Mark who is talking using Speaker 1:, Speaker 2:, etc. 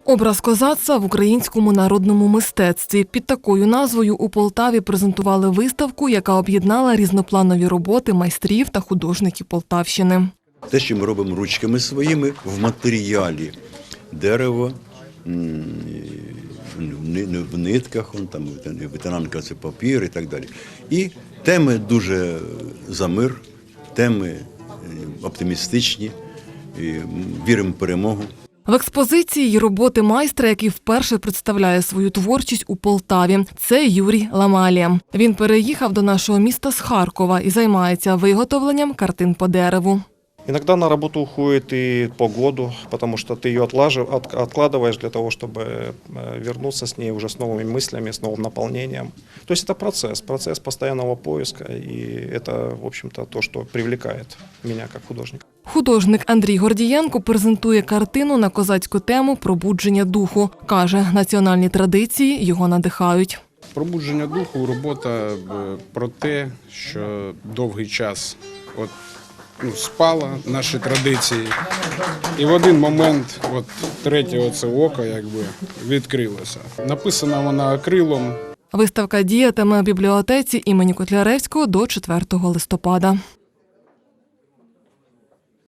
Speaker 1: Образ козацтва в українському народному мистецтві. Під такою назвою у Полтаві презентували виставку, яка об'єднала різнопланові роботи майстрів та художників Полтавщини.
Speaker 2: Те, що ми робимо ручками своїми в матеріалі – дерево, в нитках, ветеранка – це папір і так далі. І теми дуже за мир, теми оптимістичні, віримо в перемогу.
Speaker 1: В експозиції є роботи майстра, який вперше представляє свою творчість у Полтаві. Це Юрій Ламалія. Він переїхав до нашого міста з Харкова і займається виготовленням картин по дереву.
Speaker 3: Иногда на работу уходит и по году, потому что ты ее откладываешь для того, чтобы вернуться с ней уже с новыми мыслями, с новым наполнением. То есть это процесс постоянного поиска, и это, в общем-то, то, что привлекает меня как художника.
Speaker 1: Художник Андрій Гордієнко презентує картину на козацьку тему «Пробудження духу». Каже, національні традиції його надихають.
Speaker 4: Пробудження духу – робота про те, що довгий час спала наші традиції. І в один момент третє око відкрилося. Написана вона акрилом.
Speaker 1: Виставка діятиме в бібліотеці імені Котляревського до 4 листопада.